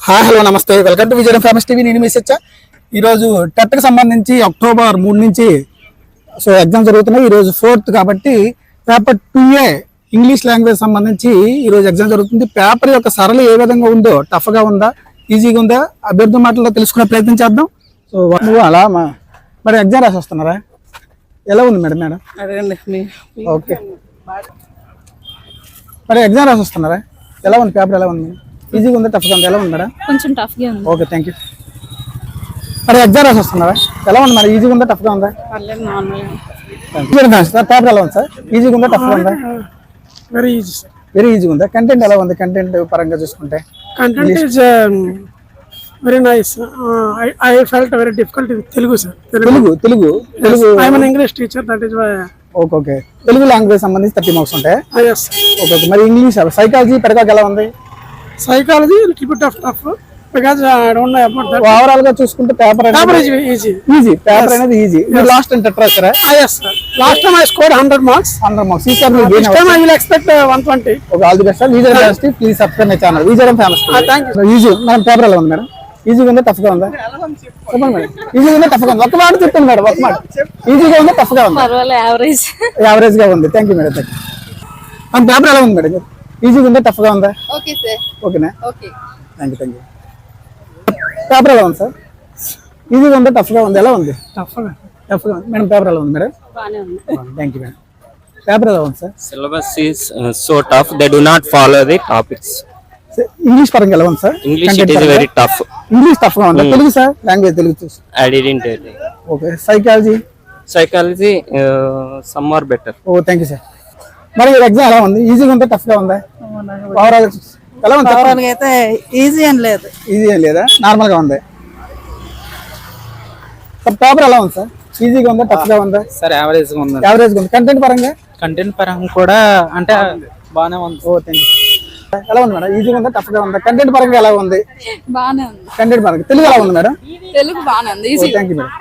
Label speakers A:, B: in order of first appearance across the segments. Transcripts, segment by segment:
A: Hi hello నమస్తే welcome to Vizianagaram famous TV. నేను message ఈరోజు టెట్కి సంబంధించి అక్టోబర్ 3 నుంచి ఎగ్జామ్ జరుగుతున్నాయి. ఈరోజు 4th కాబట్టి పేపర్ 2A ఇంగ్లీష్ లాంగ్వేజ్ సంబంధించి ఈరోజు ఎగ్జామ్ జరుగుతుంది. పేపర్ యొక్క సరళి ఏ విధంగా ఉందో, టఫ్గా ఉందా, ఈజీగా ఉందా, అభ్యర్థి మాటల్లో తెలుసుకునే ప్రయత్నం చేద్దాం. సో నువ్వు అలా మరి ఎగ్జామ్ రాసి వస్తున్నారా? ఎలా ఉంది మేడం? ఓకే, మరి ఎగ్జామ్ రాసి వస్తున్నారా? ఎలా ఉంది పేపర్? ఎలా ఉంది? ఈజీగా ఉందా, టఫ్గా ఉందా? ఎలా ఉంది మేడం?
B: కొంచెం టఫ్గా ఉంది.
A: Okay, thank you. మరి ఎగ్జామ్ రాసి వస్తున్నారా? ఎలా ఉంది మరి? ఈజీగా ఉందా, టఫ్గా ఉందా?
B: పర్లేదు, నార్మల్.
A: పేపర్ ఎలా ఉంది సార్? ఈజీగా ఉందా, టఫ్గా ఉందా?
C: Very easy sir.
A: వెరీ ఈజీగా ఉందా? కంటెంట్ ఎలా ఉంది? కంటెంట్ పరంగా చూసుకుంటే
C: content is very nice. I felt very difficult with Telugu sir.
A: Telugu
C: I am English teacher, that is why.
A: Okay, Telugu language సంబంధించి 30 మార్క్స్ ఉంటాయి.
C: ఎస్.
A: ఓకే, మరి ఇంగ్లీష్, సైకాలజీ, పెడగాకి ఎలా ఉంది?
C: Psychology little bit of tough because I don't know about that.
A: Overall గా చూసుకుంటే paper
C: easy.
A: Easy paper అనేది easy. మీరు last time TET రాసారా?
C: yes sir, last time I scored 100 marks.
A: 100 marks. ఈ sir మీరు
C: This time I will expect 120.
A: Okay, all the best sir. Vizianagaram famous TV, please subscribe my channel Vizianagaram famous TV.
C: Thank you.
A: Easy madam. Paper ఎలా ఉంది madam? ఈజీగా ఉందా, టఫ్గా ఉందా? చెప్పండి madam. ఈజీగా ఉందా, టఫ్గా ఉందా? ఒక మాట చెప్పండి మేడం, ఒక మాట. ఈజీగా ఉందా, టఫ్గా ఉందా?
B: పర్వాలేదు, యావరేజ్.
A: యావరేజ్ గా ఉంది. Thank you madam. మన పేపర్ ఎలా ఉంది మేడం? ఈజీగా ఉందా, టఫ్గా ఉందా?
B: Okay sir.
A: ఓకేనా?
B: Okay,
A: thank you. పేపర్ ఎలా ఉంది సార్? ఈజీగా ఉందా, టఫ్గా ఉంది? ఎలా ఉంది? టఫ్గా ఉంది మేడం. పేపర్ ఎలా ఉంది మేడం?
B: బానే ఉంది.
A: Thank you madam. పేపర్ ఎలా ఉంది sir?
D: Syllabus is so tough. They do not follow the topics.
A: English పరంగా ఎలా ఉంది sir?
D: English it is very tough.
A: English టఫ్గా ఉందా? తెలుగు సార్? లాంగ్వేజ్ తెలుగు చూసి.
D: I didn't tell you.
A: Okay, psychology.
D: Psychology some are better.
A: ఓ, thank you sir. మరి exam ఎలా ఉంది? ఈజీగా ఉందా, టఫ్గా ఉందా? ఓవరాల్ ఎలా ఉంది?
B: ఓవరాల్ అయితే ఈజీ అని లేదు.
A: ఈజీ ఏం లేదా, నార్మల్ గా ఉంది. పేపర్ ఎలా ఉంది సార్? ఈజీగా ఉందా, టఫ్గా ఉందా?
E: సార్ యావరేజ్ గా ఉంది.
A: యావరేజ్ గా ఉంది. కంటెంట్ పరంగా?
E: కంటెంట్ పరంగా కూడా అంటే బాగానే ఉంది.
A: ఓ, థ్యాంక్ యూ. ఎలా ఉంది మేడం? ఈజీగా ఉందా, టఫ్గా ఉందా? కంటెంట్ పరంగా ఎలా ఉంది?
B: బానే ఉంది.
A: కంటెంట్ పరంగా తెలుగు ఎలా ఉంది మేడం?
B: తెలుగు బానే ఉంది, easy.
A: Thank you madam.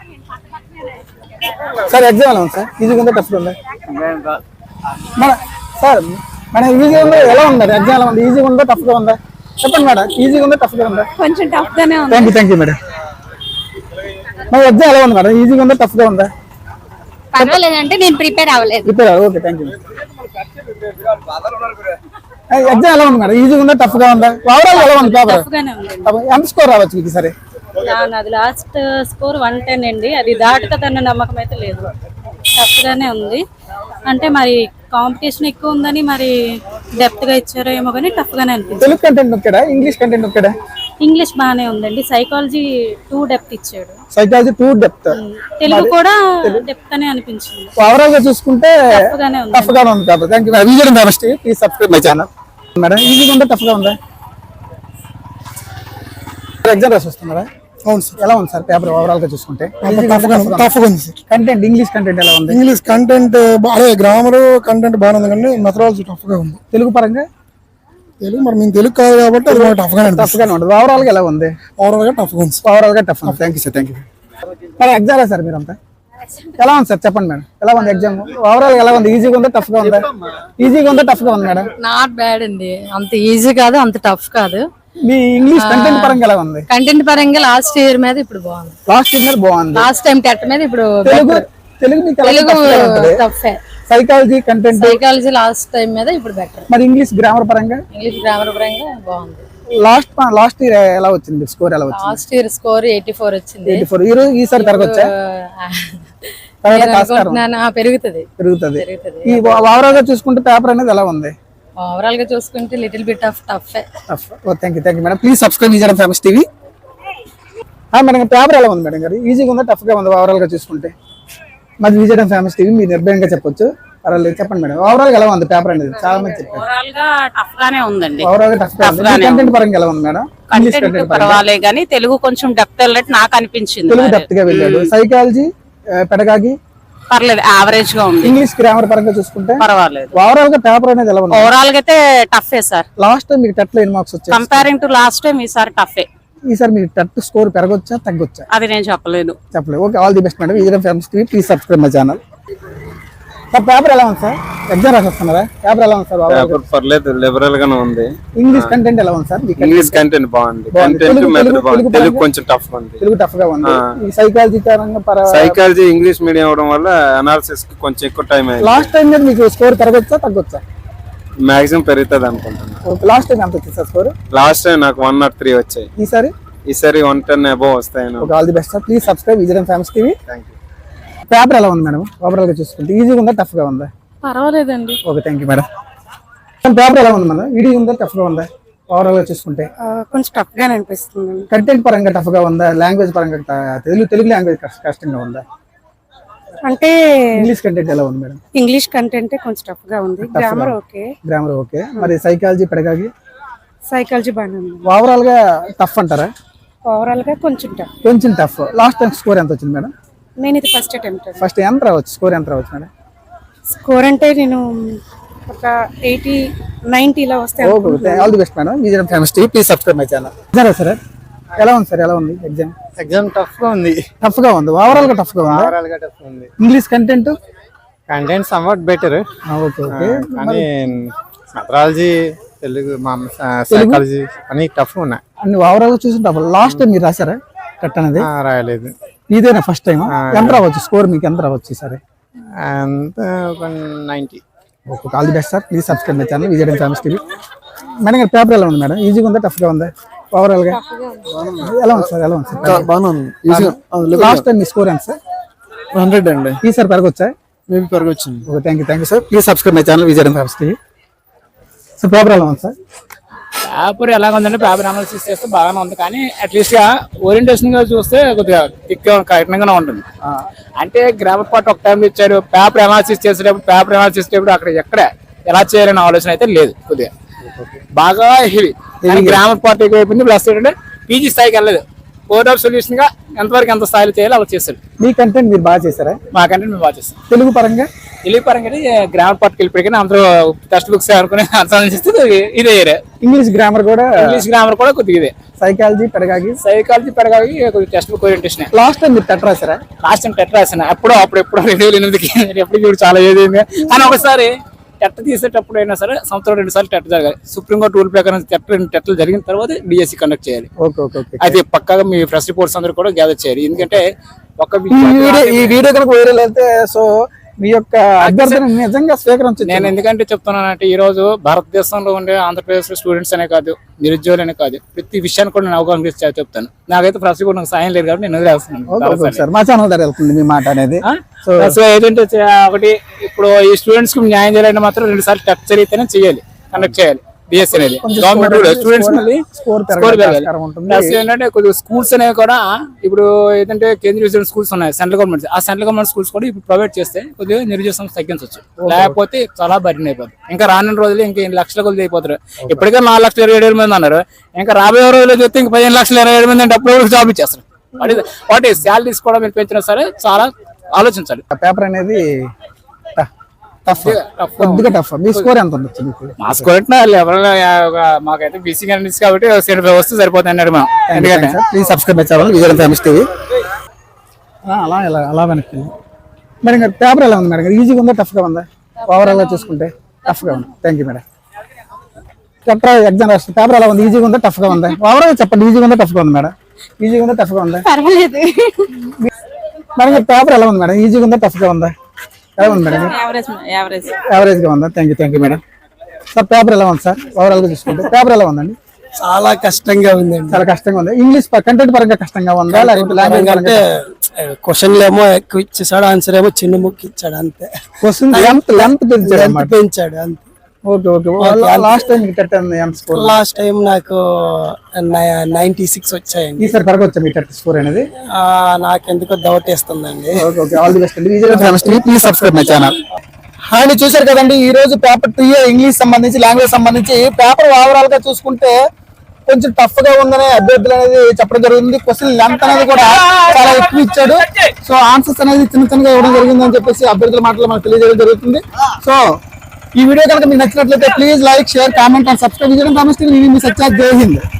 A: Sir exam ఎలా ఉంది సార్? ఈజీగా ఉందా, టఫ్గా ఉందా? మేడం సార్, మేడం ఈజీగా ఉందా, ఎలా ఉంది మేడం? ఎగ్జామ్ ఎలా ఉంది? ఈజీగా ఉందా, టఫ్గా ఉందా? చెప్పండి మేడం. ఈజీగా ఉందా, టఫ్గా ఉందా?
B: కొంచెం టఫ్ గానే ఉంది.
A: Thank you madam. మరి ఎగ్జామ్ ఎలా ఉంది మేడం? ఈజీగా ఉందా, టఫ్గా ఉందా?
B: పర్వాలేదంటే నేను ప్రిపేర్ అవ్వలేదు.
A: Prepare. Okay, thank you. Exam ఎలా ఉంది మేడం? ఈజీగా ఉందా, టఫ్గా ఉందా? ఓవరాల్ ఎలా ఉంది పేపర్?
B: టఫ్ గానే ఉంది.
A: ఎంత స్కోర్ రావచ్చు మీకు సరే?
B: అది లాస్ట్ స్కోర్ 110 అండి. అది దాటుతుందన్న నమ్మకం అయితే లేదు. టఫ్ గానే ఉంది. అంటే మరి కాంపిటీషన్ ఎక్కువ ఉందని మరి డెప్త్ గా ఇచ్చారో ఏమో కానీ టఫ్ గానే అనిపించింది.
A: తెలుగు కంటెంట్ ఒక్కడా, ఇంగ్లీష్ కంటెంట్ ఒక్కడా?
B: ఇంగ్లీష్ బానే ఉందండి. సైకాలజీ 2 డెప్త్ ఇచ్చాడు.
A: Psychology 2 depth.
B: తెలుగు కూడా డెప్త్ అనే అనిపించింది.
A: ఓవరాల్ గా చూసుకుంటే
B: టఫ్ గానే ఉంది.
A: టఫ్ గానే ఉంది కాబట్టి thank you. Vizianagaram famous TV, please subscribe my channel. Madam ఈజీగా ఉందా, టఫ్ గా ఉందా? ఎగ్జామ్ రాసి వస్తున్నారా? అవును సార్. ఎలా ఉంది సార్ పేపర్ ఓవరాల్ గా చూసుకుంటే?
C: టఫ్ ఉంది సార్.
A: కంటెంట్, ఇంగ్లీష్ కంటెంట్ ఎలా ఉంది?
C: ఇంగ్లీష్ కంటెంట్ అదే గ్రామర్ కంటెంట్ బాగానే ఉంది కానీ మెథడాలజీ టఫ్ గా ఉంది.
A: తెలుగు పరంగా?
C: తెలుగు మరి మేము తెలుగు కాదు కాబట్టి అది టఫ్ గానే
A: టఫ్ గానే ఉంటుంది. ఓవరాల్ గా ఎలా ఉంది?
C: ఓవరాల్ గా టఫ్ గా ఉంది.
A: ఓవరాల్ గా tough. Thank you sir. Thank you. మరి ఎగ్జామ్ సార్ మీరంతా ఎలా ఉంది సార్? చెప్పండి మేడం, ఎలా ఉంది ఎగ్జామ్? ఓవరాల్ ఎలా ఉంది? ఈజీగా ఉందా, టఫ్ గా ఉందా? ఈజీగా ఉందా, టఫ్ గా ఉంది మేడం?
B: నాట్ బ్యాడ్ అండి. అంత ఈజీ కాదు, అంత టఫ్ కాదు.
A: మీ ఇంగ్లీష్ కంటెంట్ పరంగా ఎలా ఉంది?
B: కంటెంట్ పరంగా లాస్ట్ ఇయర్ మీద ఇప్పుడు బాగుంది.
A: లాస్ట్ ఇయర్ బాగుంది.
B: లాస్ట్ టైం టెట్ మీద ఇప్పుడు
A: తెలుగు మీకు ఎలా
B: తెలుగు
A: ఉంటుంది?
B: టఫే.
A: Psychology content?
B: Psychology last time మీద ఇప్పుడు బెటర్.
A: మరి ఇంగ్లీష్ గ్రామర్ పరంగా?
B: ఇంగ్లీష్ గ్రామర్ పరంగా బాగుంది.
A: లాస్ట్ ఇయర్ ఎలా వచ్చింది? స్కోర్ ఎలా వచ్చింది?
B: లాస్ట్ ఇయర్ స్కోర్ 84 వచ్చింది.
A: 84. ఈసారి పెరగొచ్చా?
B: పెరుగుతుంది.
A: ఈ ఓవరాల్ గా చూసుకుంటే పేపర్ అనేది ఎలా ఉంది?
B: ఓవరాల్ గా చూసుకుంటే little bit of tough.
A: Thank you madam. Please subscribe Vizianagaram famous TV. Madam paper ఎలా ఉంది మేడం గారు? ఈజీగా ఉందా, టఫ్ గా ఉందా? ఓవరాల్ గా చూసుకుంటే మరి విజయనగరం ఫేమస్ టీవీ మీరు నిర్భయంగా చెప్పొచ్చు. పర్వాలేదు, చెప్పండి మేడం. ఓవరాల్ గా ఎలా ఉంది పేపర్ అనేది? చాలా మంది చెప్పారు
F: ఓవరాల్ గా టఫ్ గానే ఉందండి.
A: ఓవరాల్ గా టఫ్ గా ఉంది. కంటెంట్ పరంగా ఎలా ఉంది మేడం? ఇంగ్లీష్ కంటెంట్
F: పర్వాలే గానీ తెలుగు కొంచెం డెప్త్ వెళ్ళట్టు నాకు అనిపించింది.
A: తెలుగు డెప్త్ గా వెళ్ళాడు. సైకాలజీ, పెడగాగి
F: పర్లేదు, యావరేజ్ గా ఉంది.
A: ఇంగ్లీష్ గ్రామర్ పరంగా చూసుకుంటే
F: పర్వాలేదు.
A: ఓవరాల్ గా పేపర్ అనేది ఎలా ఉంది?
F: ఓవరాల్ గా అయితే టఫే సార్.
A: లాస్ట్ టైం మీకు టెట్ లో ఎన్ని మార్క్స్ వచ్చాయి?
F: కంపేరింగ్ టు లాస్ట్ టైం ఈసారి టఫే.
A: ఈసారి మీకు టెట్ స్కోర్ పెరగొచ్చా, తగ్గొచ్చా?
F: అది నేను చెప్పలేదు.
A: చెప్పలేదు. Okay, all the best madam. Vizianagaram famous TV, please subscribe my channel. Sir paper ఎలా ఉంది సార్? ఎగ్జామ్ రాసి వస్తున్నారా? పేపర్ ఎలా ఉంది సార్?
G: పేపర్ పర్లేదు, లిబరల్ గానే ఉంది.
A: ఇంగ్లీష్ కంటెంట్ ఎలా ఉంది సార్?
G: ఇంగ్లీష్ కంటెంట్ బాగుంది, కంటెంట్ మెథడ్ బాగుంది. తెలుగు కొంచెం టఫ్ ఉంది.
A: తెలుగు టఫ్ గా ఉంది. ఈ సైకాలజీ పరంగా
G: సైకాలజీ ఇంగ్లీష్ మీడియం అవడం వల్ల అనాలిసిస్ కి కొంచెం ఎక్కువ టైం అయింది.
A: లాస్ట్ టైం మీద మీకు స్కోర్ పెరగొచ్చా తగ్గొచ్చా?
G: మాక్సిమం పెరుగుతుంది అనుకుంటున్నాను.
A: లాస్ట్ టైం ఎంత వచ్చింది సార్ స్కోర్?
G: లాస్ట్ టైం నాకు 103 వచ్చాయి. ఈసారి 110 అబోవ్ వస్తాయి.
A: All the best sir. Please subscribe Vijayam famous TV.
G: Thank you.
A: Paper ఎలా ఉంది మేడం? ఓవరాల్ గా చూసుకుంటే ఈజీగా ఉందా టఫ్ గా ఉందా?
B: పర్వాలేదండి.
A: Okay, thank you madam. Paper ఎలా ఉంది మేడం? ఈజీగా ఉందా టఫ్ గా ఉందా? ఓవరాల్ గా చూసుకుంటే
F: కొంచెం టఫ్ గానే అనిపిస్తుంది.
A: కంటెంట్ పరంగా టఫ్ గా ఉందా? లాంగ్వేజ్ పరంగా తెలుగు లాంగ్వేజ్ కష్టంగా ఉందా?
F: అంటే
A: ఇంగ్లీష్ కంటెంట్ ఎలా ఉంది మేడం?
F: ఇంగ్లీష్ కంటెంట్ కొంచెం టఫ్ గా ఉంది. Grammar okay. మరి సైకాలజీ పెడగాగి సైకాలజీ బాగానే ఉంది.
A: ఓవరాల్ గా టఫ్ అంటారా?
F: ఓవరాల్ గా కొంచెం టఫ్.
A: కొంచెం టఫ్. లాస్ట్ టైం స్కోర్ ఎంత వచ్చింది మేడం?
F: నేను ఇది ఫస్ట్ అటెంప్ట్.
A: ఫస్ట్ ఎంత రావచ్చు? స్కోర్ ఎంత రావచ్చు మేడం?
F: స్కోర్ అంటే నేను ఒక 80-90 ఇలా వస్తే.
A: Okay, all the best madam. Vijayam famous TV. Please subscribe my channel. సరే ఎలా ఉంది సార్? ఎలా ఉంది ఎగ్జామ్?
E: ఎగ్జామ్ టఫ్ గా ఉంది.
A: టఫ్ గా ఉంది. ఓవరాల్ గా టఫ్ గా ఉంది.
E: ఓవరాల్ గా టఫ్ ఉంది.
A: English content
E: somewhat better.
A: Okay.
E: కానీ మెథడాలజీ, తెలుగు, సైకాలజీ అన్ని టఫ్ ఉన్నాయి.
A: అన్ని ఓవరాల్ గా చూసి టఫ్. లాస్ట్ టైం మీరు రాశారా కట్ అనేది?
E: రాయలేదు.
A: ఇదేనా ఫస్ట్ టైం? ఎంత రావచ్చు స్కోర్ మీకు? ఎంత రావచ్చు సరే?
E: 90.
A: Okay, all the best sir. Please subscribe my channel Vijayam famous TV. Madam గారు పేపర్ ఎలా ఉంది మేడం? ఈజీగా ఉందా టఫ్ గా ఉందా? ఓవరాల్ గా ఎలా ఉంది సార్? ఎలా ఉంది సార్? బాగుంది. లాస్ట్ టైం మీ స్కోర్ ఎంత సార్?
E: 100 అండి.
A: ఈసారి పెరగొచ్చా?
E: మేబీ పెరగొచ్చింది.
A: Okay, thank you sir. Please subscribe my channel Vijayam famous TV. Sir paper ఎలా ఉంది సార్?
H: పేపర్ ఎలా ఉందంటే పేపర్ అనాలిసిస్ చేస్తే బాగానే ఉంది, కానీ అట్లీస్ట్ గా ఓరియంటేషన్ గా చూస్తే కొద్దిగా థిక్ కఠినంగానే ఉంటుంది. అంటే గ్రామర్ పార్ట్ ఒక టైం ఇచ్చారు, పేపర్ అనాలిసిస్ చేసేటప్పుడు అక్కడ ఎక్కడ ఎలా చేయాలనే ఆలోచన అయితే లేదు. కొద్దిగా బాగా హెవీ గ్రామర్ పార్ట్ ఎక్కువ అయిపోయింది. ప్లస్ ఏంటంటే పీజీ స్థాయికి వెళ్ళలేదు. కోడ్ ఆఫ్ సొల్యూషన్ గా ఎంతవరకు ఎంత స్థాయిలో చేయాలి అలా చేస్తారు.
A: మీ కంటెంట్ మీరు బాగా చేశారా?
H: మా కంటెంట్ మేము బాగా చేస్తాం.
A: తెలుగు పరంగా
H: గ్రామర్ పార్ట్కి వెళ్ళిపోయి అందరూ టెక్స్ట్ బుక్స్ అనుకుని ఆలోచిస్తే ఇదే.
A: ఇంగ్లీష్ గ్రామర్ కూడా
H: కొద్దిగా ఇదే.
A: సైకాలజీ పెడగాగి
H: కొద్దిగా textbook orientation.
A: Last time మీరు టెట్ రాశారా?
H: లాస్ట్ టైం టెట్ రాసాను. అప్పుడు 2008కి ఎప్పుడు చూడు చాలా ఏది. కానీ ఒకసారి టెట్ తీసేటప్పుడు అయినా సరే సంవత్సరం 2 సార్లు టెట్ జరగాలి. సుప్రీంకోర్టు రూల్ ప్రకారం టెట్లు జరిగిన తర్వాత డిఎస్సి కండక్ట్ చేయాలి. అయితే పక్కాగా మీ ఫ్రెష్ రిపోర్ట్స్ అందరూ కూడా గ్యాదర్ చేయాలి. ఎందుకంటే
A: ఈ వీడియో కనుక వైరల్ అయితే సో మీ యొక్క అభ్యర్థన నిజంగా స్వీకరించండి.
H: నేను ఎందుకంటే చెప్తున్నానంటే ఈ రోజు భారతదేశంలో ఉండే ఆంధ్రప్రదేశ్ స్టూడెంట్స్ అనే కాదు, నిరుద్యోగులనే కాదు, ప్రతి విషయాన్ని కూడా నేను అవగాహన చేసి చెప్తాను. నాకైతే ఫ్రెష్ రిపోర్ట్ నాకు సాయం లేదు కాబట్టి నేను వదిలేస్తున్నాను.
A: మా ఛానల్ ద్వారా వెళ్తుంది మీ మాట అనేది.
H: సో ఏంటంటే ఒకటి ఇప్పుడు ఈ స్టూడెంట్స్ కి న్యాయం చేయాలంటే మాత్రం 2 సార్లు టెట్ జరిగితేనే చేయాలి, కండక్ట్ చేయాలి. డిఎస్సి అనేది గవర్నమెంట్ స్టూడెంట్స్ స్కోర్ పెరగాలి. ప్లస్ ఏంటంటే కొద్దిగా స్కూల్స్ అనేవి కూడా ఇప్పుడు ఏంటంటే కేంద్రీయ స్కూల్స్ ఉన్నాయి, సెంట్రల్ గవర్నమెంట్. ఆ సెంట్రల్ గవర్నమెంట్ స్కూల్స్ కూడా ఇప్పుడు ప్రొవైడ్ చేస్తే కొద్దిగా నిరుద్యోగ సంస్థ తగ్గించవచ్చు. లేకపోతే చాలా బర్డెన్ అయిపోతుంది. ఇంకా రానున్న రోజులు ఇంకా 8 లక్షల కొద్ది అయిపోతారు. ఇప్పటికే 4,27,000 మంది అన్నారు. ఇంకా రాబోయే రోజుల్లో చూస్తే ఇంకా 15,27,000 మంది అంటే అప్పుడు జాబ్ ఇచ్చేస్తారు. వాటి శాలరీస్ కూడా మీరు పెంచినా సరే చాలా ఆలోచించాలి.
A: పేపర్ అనేది కొద్దిగా టఫ్. మీ స్కోర్ ఎంత ఉండొచ్చు?
H: మా స్కోర్ ఎవరైనా మాకైతే బీసీ క్యాండిడేట్స్ కాబట్టి 75 వస్తే సరిపోతుంది అన్నారు మేము. ఎందుకంటే
A: ప్లీజ్ సబ్స్క్రైబ్ చేయాలి విజయం ఫేమస్ టీవీ. అలా వెనక్కి మేడం గారు పేపర్ ఎలా ఉంది మేడం గారు? ఈజీగా ఉందా టఫ్ గా ఉందా? ఓవరాల్ గా చూసుకుంటే టఫ్ గా ఉంది. Thank you madam. ఎగ్జామ్ రాస్తే పేపర్ ఎలా ఉంది? ఈజీగా ఉందా టఫ్ గా ఉందా? ఓవరాల్ చెప్పండి. ఈజీగా ఉందా టఫ్ గా ఉంది మేడం? ఈజీగా ఉందా టఫ్ గా ఉందా?
F: పర్వాలేదు.
A: మేడం గారు పేపర్ ఎలా ఉంది మేడం? ఈజీగా ఉందా టఫ్ గా ఉందా? ఎలా ఉంది మేడం? యావరేజ్ గా ఉందా? Thank you madam. Sir paper ఎలా ఉంది సార్? ఓవరాల్ గా చూసుకుంటే పేపర్ ఎలా ఉందండి?
C: చాలా కష్టంగా ఉందండి.
A: చాలా కష్టంగా ఉంది. ఇంగ్లీష్ కంటెంట్ పరంగా కష్టంగా ఉందా? లాంగ్వేజ్
C: అంటే క్వశ్చన్లు ఏమో ఎక్కువ ఇచ్చేసాడు, ఆన్సర్ ఏమో చిన్న ముక్కు ఇచ్చాడు అంతే.
A: క్వశ్చన్ లెంత్
C: పెంచాడు అంతే.
A: Okay. Last time score?
C: Last time నాకు 96 వచ్చాయండి.
A: ఈసారి పెరగొచ్చా మీ టెట్ స్కోర్ అనేది?
C: నాకెందుకో డౌట్ వేస్తుందండి.
A: ఆల్ ది బెస్ట్ అండి. Please subscribe my channel. Hi, చూసారు కదండి ఈ రోజు పేపర్ 2 ఇంగ్లీష్ సంబంధించి లాంగ్వేజ్ సంబంధించి పేపర్ ఓవరాల్ గా చూసుకుంటే కొంచెం టఫ్ గా ఉందనే అభ్యర్థులు అనేది చెప్పడం జరుగుతుంది. క్వశ్చన్ లెంత్ అనేది కూడా చాలా ఎక్కువ ఇచ్చాడు. సో ఆన్సర్స్ అనేది చిన్నగా ఇవ్వడం జరిగింది అని చెప్పేసి అభ్యర్థుల మాటలు మనకు తెలియజేయడం జరుగుతుంది. సో ఈ వీడియో కనుక మీకు నచ్చినట్లయితే please like, share, comment and subscribe చేయడం. మీ సత్య జై హింద్.